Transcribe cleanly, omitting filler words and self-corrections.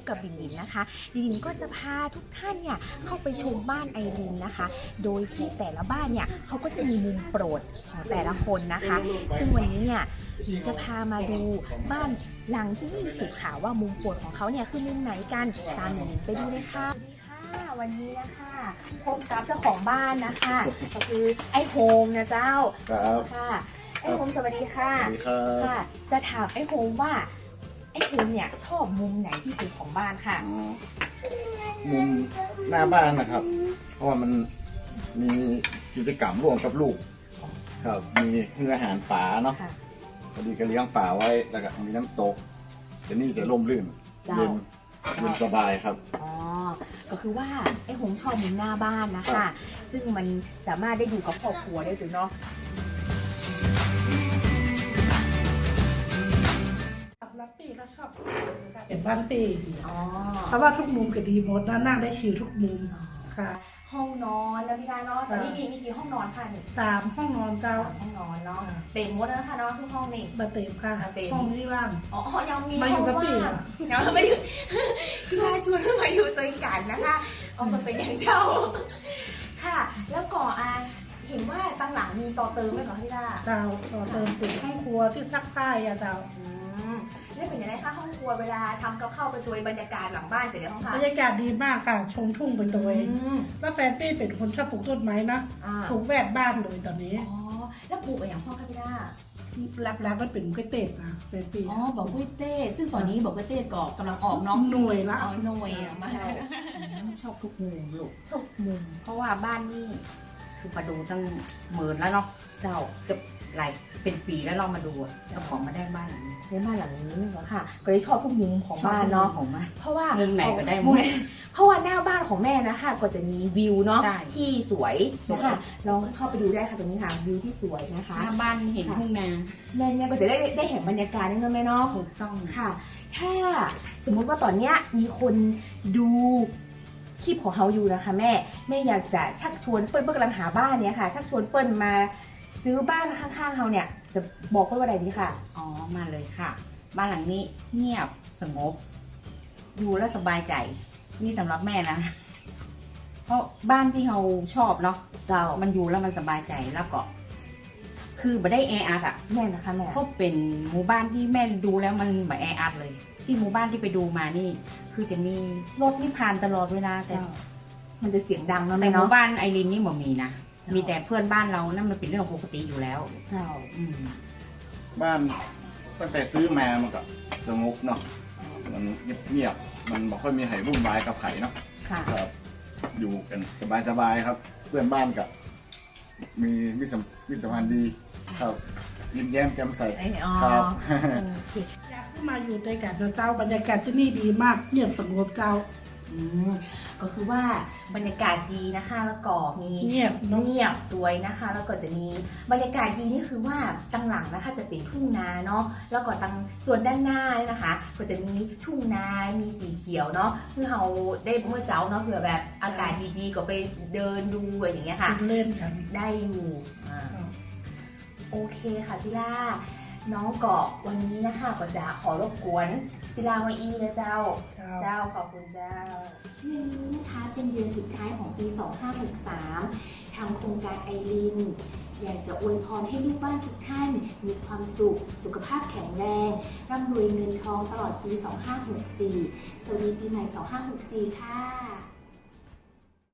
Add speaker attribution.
Speaker 1: กับดินดินนะคะดินดินก็จะพาทุกท่านเนี่ยเข้าไปชมบ้านไอรินนะคะ โดยที่แต่ละบ้านเนี่ยเขาก็จะมีมุมโปรดของแต่ละคนนะคะ ซึ่งวันนี้เนี่ยดินจะพามาดูบ้านหลังที่20ค่ะว่ามุมโปรดของเขาเนี่ยคือมุมไหนกันตามดินไปดูเลยค่ะวันนี้นะคะพบกับเจ้าของบ้านนะคะก็คือไอ้โฮมนะเจ้าค่ะไอ้โฮมสวัสดีค่ะค่ะจะถามไอ้โฮมว่าไอ้โฮมเนี่ยชอบมุมไหนที่สุดของบ้านค่ะ
Speaker 2: มุมหน้าบ้านนะครับเพราะว่ามันมีกิจกรรมร่วมกับลูกครับมีให้อาหารป่าเนาะพอดีก็เลี้ยงป่าไว้แล้วก็มีน้ำตกแต่นี่จะร่มรื่นเย็นสบายครับ
Speaker 1: อ๋อก็คือว่าไอ้โฮมชอบมุมหน้าบ้านนะคะซึ่งมันสามารถได้อยู่กับครอบครัวได้ถูกเนาะ
Speaker 3: รับปีก็ชอบเป็นบ้านปีเพราะว่าทุกมุมก็ดีหมดนะนั่งได้ชิลทุกมุมค่ะ
Speaker 1: ห้องนอนแล้วพี่ดาเนาะตอนนี้มีกี่ห้องนอนค่ะนี่
Speaker 3: 3 ห้องนอนเจ้า
Speaker 1: ห้องนอนเนาะเต็มหมดแล้วนะคะเนาะทุกห้องนี่
Speaker 3: มาเต็มค่ะห้องนี้ว่าง
Speaker 1: อ๋อยังมี
Speaker 3: มาอยู่กับปี
Speaker 1: ยังไม่อยู่พี่ดาชวนมาอยู่ตัวกันนะคะเอามาเป็นอย่างเจ้าค่ะแล้วก่อเห็นว่าตั้งหลังมีต่อเติมไหมเหรอพี่ดา
Speaker 3: เจ้าต่อเติมเป็นห้องครัวที่ซักผ้าเจ้า
Speaker 1: นี่เป็นยังไงคะห้องครัวเวลาทำกับข้าวไปตัวบรรยากาศหลังบ้านเป็นยังไงคะ
Speaker 3: บรรยากาศดีมากค่ะชมทุ่งเป็นตัวแล้วแฟนปี้เป็นคนชอบปลูกต้นไม้นะปลูกแวดบ้านเลยตอนนี้
Speaker 1: อ๋อแล้วปลูกอะไรอย่างพ่อคะพี่ดา
Speaker 3: รับมันเป็นกล้วยเต้นะแฟนปี้
Speaker 1: อ๋อบอกกล้วยเต้ซึ่งตอนนี้บอกกล้วยเต้ก็กำลังออกเนาะ
Speaker 3: หน่วยละ
Speaker 1: หน่วยมา
Speaker 4: ชอบทุกมุมลูก
Speaker 1: ทุกมุม
Speaker 4: เพราะว่าบ้านนี่คือมาดูตั้งหมื่นแล้วเนาะ
Speaker 1: เจ้า
Speaker 4: เกือบหลายเป็นปีแล้วเรามาดูเจ้าของมาได้บ้านหลังนี้
Speaker 1: ได้บ้านหลังนี้เหรอค่ะก็เลยชอบทุกมุมของบ้านเนาะเพราะว่า
Speaker 4: มุมไหนก็ได้มุม
Speaker 1: เพราะว่าหน้าบ้านของแม่นะคะก็จะมีวิวเนาะที่สวยนะคะลองเข้าไปดูได้ค่ะตรงนี้ค่ะวิวที่สวยนะคะ
Speaker 4: หน้าบ้านเห็นทุ่งนา
Speaker 1: แม่เนี่ยก็จะได้เห็นบรรยากาศนี่นะแม่เนาะ
Speaker 4: ถูกต้อง
Speaker 1: ค่ะถ้าสมมุติว่าตอนเนี้ยมีคนดูคลิปของเขาอยู่นะคะแม่อยากจะชักชวนเปิ้ลกำลังหาบ้านเนี่ยค่ะชักชวนเปิ้ลมาซื้อบ้านข้างๆเขาเนี่ยจะบอกว่าอะไรดีค่ะ
Speaker 4: อ๋อมาเลยค่ะบ้านหลังนี้เงียบสงบอยู่แล้วสบายใจนี่สำหรับแม่นะเพราะบ้านที่เราชอบเนาะมันอยู่แล้วมันสบายใจแล้วก็คือไม่ได้แออัดอ่ะ
Speaker 1: แม่นะคะแม่
Speaker 4: เพราะเป็นหมู่บ้านที่แม่ดูแล้วมันไม่แออัดเลยที่หมู่บ้านที่ไปดูมานี่คือจะมีรถที่ผ่านตลอดเวลาแต่
Speaker 1: มันจะเสียงดังนะ
Speaker 4: แม่เนาะหมู่บ้านไอรินนี่บ่มีนะมีแต่เพื่อนบ้านเรานั่นมันเป็นเรื่องปกติอยู่แล้ว
Speaker 2: บ้านตั้งแต่ซื้อมามันก็สงบเนาะมันเงียบมันไม่ค่อยมีไห่วุ่นวายกับไข่เนาะครับอยู่กันสบายครับ เพื่อนบ้านกับมีมิตรสัมพันธ์ดีครับยิ้มแย้มแจ่มใสครับ
Speaker 3: อยากขึ้นมาอยู่ด้วยกันเจ้าบรรยากาศที่นี่ดีมากเงียบสงบเจ้า
Speaker 1: ก็คือว่าบรรยากาศดีนะคะแล้วก็มีเงียบด้วยนะคะแล้วก็จะมีบรรยากาศดีนี่คือว่าตั้งหลังนะคะจะเป็นทุ่งนาเนาะแล้วก็ตั้งส่วนด้านหน้าเนี่ยนะคะก็จะมีทุ่งนามีสีเขียวเนาะคือเราได้เมื่อเจ้าเนาะเผื่อแบบอากาศดีๆก็ไปเดินดูอะไรอย่างเงี้ยค่ะ
Speaker 3: เล่นกัน
Speaker 1: ได้อยู่โอเคค่ะพี่ล่าน้องเกาะวันนี้นะคะก็จะขอรบกวนพิลาวัอีนะเจ้าขอบคุณเจ้าเดือนนี้นะคะเป็นเดือนสุดท้ายของปี 2563 ทางโครงการไอรินอยากจะอวยพรให้ลูกบ้านทุกท่านมีความสุขสุขภาพแข็งแรงร่ำรวยเงินทองตลอดปี 2564 สวัสดีปีใหม่ 2564 ค่ะ